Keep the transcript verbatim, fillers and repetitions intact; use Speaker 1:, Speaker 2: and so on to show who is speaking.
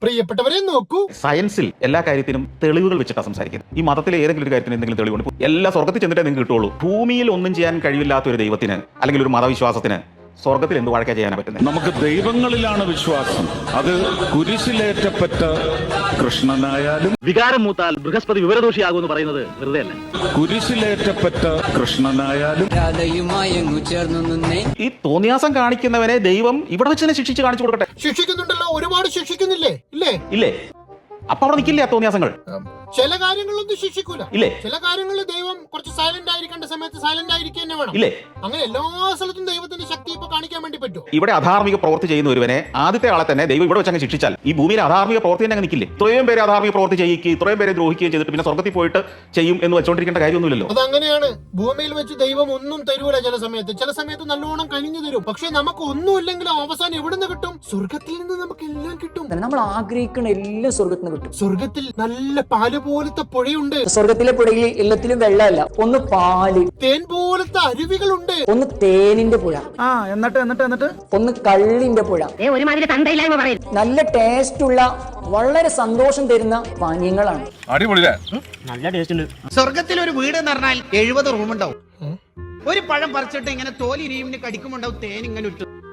Speaker 1: പ്രിയപ്പെട്ടവരെ നോക്കൂ,
Speaker 2: സയൻസിൽ എല്ലാ കാര്യത്തിനും തെളിവുകൾ വെച്ചിട്ടാണ് സംസാരിക്കുന്നത്. ഈ മതത്തിലെ ഏതെങ്കിലും ഒരു കാര്യത്തിന് എന്തെങ്കിലും തെളിവുണ്ട്? എല്ലാ സ്വർഗത്തിൽ ചെന്നിട്ടേ നിങ്ങൾക്ക് കിട്ടുള്ളൂ. ഭൂമിയിൽ ഒന്നും ചെയ്യാൻ കഴിവില്ലാത്ത ഒരു ദൈവത്തിന് അല്ലെങ്കിൽ ഒരു മതവിശ്വാസത്തിന് സ്വർഗത്തിൽ എന്ത് വഴക്കാ ചെയ്യാനാ പറ്റുന്നത്?
Speaker 3: നമുക്ക് ദൈവങ്ങളിലാണ് വിശ്വാസം. അത് കുരിശിലേറ്റപ്പെട്ട കൃഷ്ണനായാലും
Speaker 4: വികാരം മൂത്താൽ ബൃഹസ്പതി വിവരദോഷിയാകുമെന്ന് പറയുന്നത് വെറുതെ അല്ല.
Speaker 3: കുരിശിലേറ്റപ്പെട്ട കൃഷ്ണനായാലും
Speaker 2: ഈ തോന്നിയാസം കാണിക്കുന്നവനെ ദൈവം ഇവിടെ വെച്ച് തന്നെ ശിക്ഷിച്ച് കാണിച്ചു കൊടുക്കട്ടെ.
Speaker 1: ശിക്ഷിക്കുന്നുണ്ടല്ലോ, ഒരുപാട് ശിക്ഷിക്കുന്നില്ലേ? ഇല്ലേ
Speaker 2: ഇല്ലേ? അപ്പൊ അവിടെ നിൽക്കില്ലേ ആ തോന്നിയാസങ്ങൾ?
Speaker 1: ചില കാര്യങ്ങളൊന്നും ശിക്ഷിക്കൂല.
Speaker 2: ഇല്ലേ?
Speaker 1: ചില കാര്യങ്ങളിൽ ദൈവം കുറച്ച് സൈലന്റ് ആയിരിക്കേണ്ട സമയത്ത് സൈലന്റ് ആയിരിക്കുക തന്നെ വേണം.
Speaker 2: ഇല്ലേ?
Speaker 1: അങ്ങനെ എല്ലാ സ്ഥലത്തും ദൈവത്തിന്റെ ശക്തി ഇപ്പൊ കാണിക്കാൻ വേണ്ടി പറ്റും.
Speaker 2: ഇവിടെ അധാർമിക പ്രവൃത്തി ചെയ്യുന്ന ഒരുവനെ ആദ്യത്തെ ആളെ തന്നെ ദൈവം ഇവിടെ വെച്ച് അങ്ങ് ശിക്ഷിച്ചാൽ ഈ ഭൂമിയിൽ അധാർമിക പ്രവൃത്തി തന്നെ നിൽക്കില്ലേ? ഇത്രയും പേര് അധാർമിക പ്രവൃത്തി ചെയ്യിക്കുകയും ഇത്രയും പേരെ ദ്രോഹിക്കുകയും ചെയ്തിട്ട് പിന്നെ സ്വർഗത്തിൽ പോയിട്ട് ചെയ്യും എന്ന് വെച്ചോണ്ടിരിക്കേണ്ട കാര്യമൊന്നുമില്ലല്ലോ.
Speaker 1: അതങ്ങനെയാണ്. ഭൂമിയിൽ വെച്ച് ദൈവം ഒന്നും തരൂല. ചില സമയത്ത് ചില സമയത്ത് നല്ലോണം കനിഞ്ഞു തരും. പക്ഷെ നമുക്ക് ഒന്നും ഇല്ലെങ്കിലും അവസാനം എവിടുന്ന് കിട്ടും? സ്വർഗത്തിൽ നിന്ന് നമുക്ക് എല്ലാം കിട്ടും.
Speaker 5: നമ്മൾ ആഗ്രഹിക്കുന്ന എല്ലാം സ്വർഗത്തിൽ നിന്ന് കിട്ടും.
Speaker 1: സ്വർഗത്തിൽ നല്ല പാല് പോലത്തെ പുഴയുണ്ട്.
Speaker 5: സ്വർഗത്തിലെ പുഴയിൽ എല്ലാത്തിലും വെള്ളമല്ല, ഒന്ന് പാല്.
Speaker 1: തേൻ പോലത്തെ അരുവികളുണ്ട്.
Speaker 5: ഒന്ന് തേനിന്റെ പുഴ,
Speaker 6: ആ എന്നിട്ട് എന്നിട്ട് എന്നിട്ട്
Speaker 5: ഒന്ന് കള്ളിന്റെ പുഴ.
Speaker 7: ഒരുമാതിരി തന്തയില്ലായ്മ പറയും.
Speaker 5: നല്ല ടേസ്റ്റ് ഉള്ള വളരെ സന്തോഷം തരുന്ന പാനീയങ്ങളാണ്.
Speaker 3: അടിപൊളിയാ.
Speaker 4: നല്ല ടേസ്റ്റ് ഉണ്ട്.
Speaker 6: സ്വർഗത്തിൽ ഒരു വീട് എന്ന് പറഞ്ഞാൽ എഴുപത് റൂം ഉണ്ടാവും. ഒരു പഴം പറിച്ചിട്ട് ഇങ്ങനെ തോലിരിയുമിന് കടിക്കുമുണ്ടാവും തേൻ ഇങ്ങനെ ഇട്ടു.